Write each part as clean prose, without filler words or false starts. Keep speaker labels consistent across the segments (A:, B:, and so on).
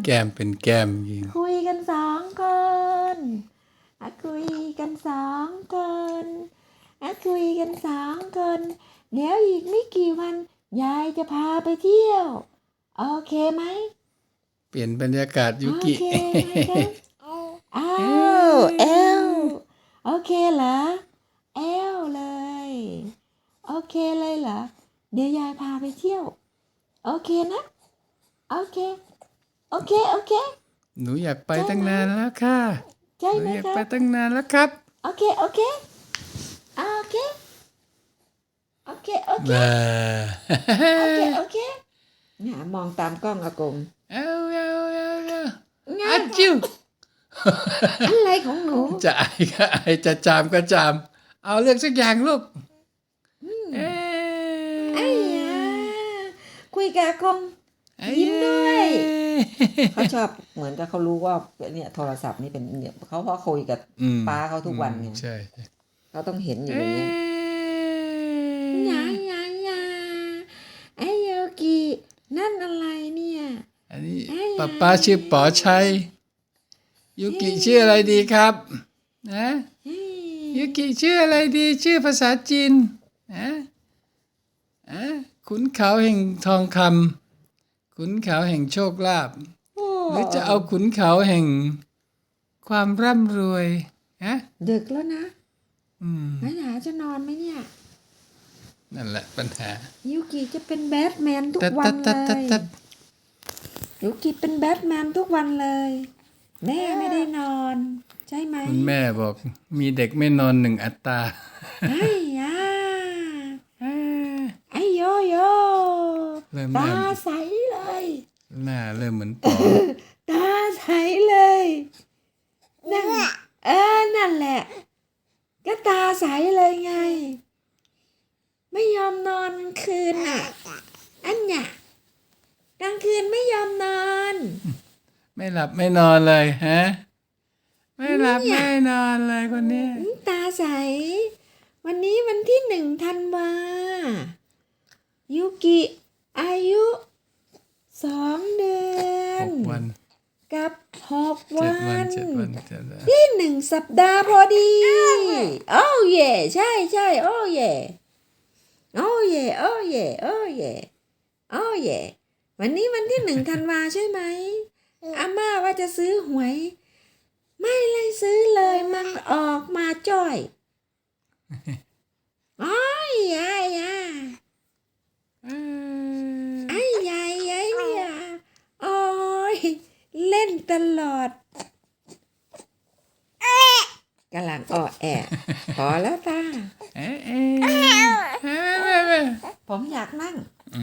A: แก้มเป็นแก้มยิง
B: คุยกันสองคนคุยกันสองคนคุยกันสองคนเดี๋ยวอีกไม่กี่วันยายจะพาไปเที่ยวโอเคไหม
A: เปลี่ยนบรรยากาศยุกิ
B: โอเคไหมคะเอลโอเคเหรอเอลเลยโอเคเลยเหรอเดี๋ยวยายพาไปเที่ยวโอเคนะโอเค
A: หนูอยากไปตั้งนานแล้วค่ะ
B: ใช่
A: ห
B: ไห
A: นู
B: ม
A: อยาก
B: คะ
A: ไปตั้งนานแล้วครับ
B: โอเค
A: บ้า
B: เนี่ยมองตามกล้องอากง
A: เอา
B: ไง
A: อาจิ้ว
B: อะไรของหนู
A: จะไอก็ไอจะจามก็จามเอาเรื่องสักอย่างลูก
B: ไอ้ยาคุยกับอากงยิ้มด้วยเขาชอบเหมือนกับเขารู้ว่าเนี่ยโทรศัพท์นี่เป็นเนี่ยเขาเพราะคุยกับป้าเขาทุกวันไง
A: ใช่
B: เขาต้องเห็นอยู่อย่างเงี้ยยาไอ้โยกินั่นอะไรเนี่ย
A: อันนี้ป้าชื่อป๋อชัยยุกิชื่ออะไรดีครับนะยุกิชื่ออะไรดีชื่อภาษาจีนขุนเขาแห่งทองคำขุนเขาแห่งโชคลาภหรือจะเอาขุนเขาแห่งความร่ำรวย
B: ดึกแล้วนะปัญหาจะนอนไหมเนี่ย
A: นั่นแหละปัญหา
B: ยูกิจะเป็นแบทแมนทุกวันเลยยูกิเป็นแบทแมนทุกวันเลยแม่ไม่ได้นอนใช่ไหม
A: คุณแม่บอกมีเด็กไม่นอน1 อัตรา
B: ไอ้ยาไอ้โยตาใสเลย
A: หน้าเริ่มเหมือนปอ
B: ตาใสเลยนั่นนั่นแหละก็ตาใสเลยไงไม่ยอมนอนกลางคืนอันเนี่ยกลางคืนไม่ยอมนอน
A: ไม่หลับไม่นอนเลยไม่หลับไม่นอนเลยคนนี้
B: ตาใสวันนี้วันที่1 ธันวายูกิอายุ2 เดือน
A: 6 วัน
B: กับ6 วัน
A: 7 วัน
B: ที่1 สัปดาห์พอดีโอ้เย่ใช่โอ้เย่วันนี้วันที่1 ธันวาใช่ไหมอาม่าว่าจะซื้อหวยไม่เลยซื้อเลยมันออกมาจ้อยโอ้ยไอ้ยาโอ้ยเล่นตลอดกำลังพอแล้วตาผมอยากนั่ง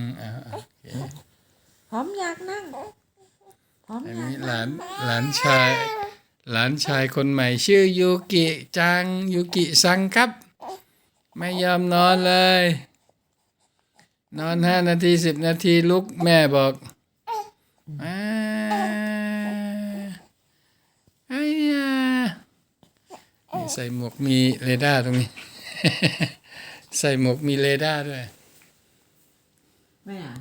B: ผมอยากนั่ง
A: อันนี้หลานชายคนใหม่ชื่อยูกิจังยูกิซังครับไม่ยอมนอนเลยนอน5 นาที10 นาทีลุกแม่บอกใส่หมวกมีเรดาร์ตรงนี้ ใส่หมวกมีเรดาร์ด้วย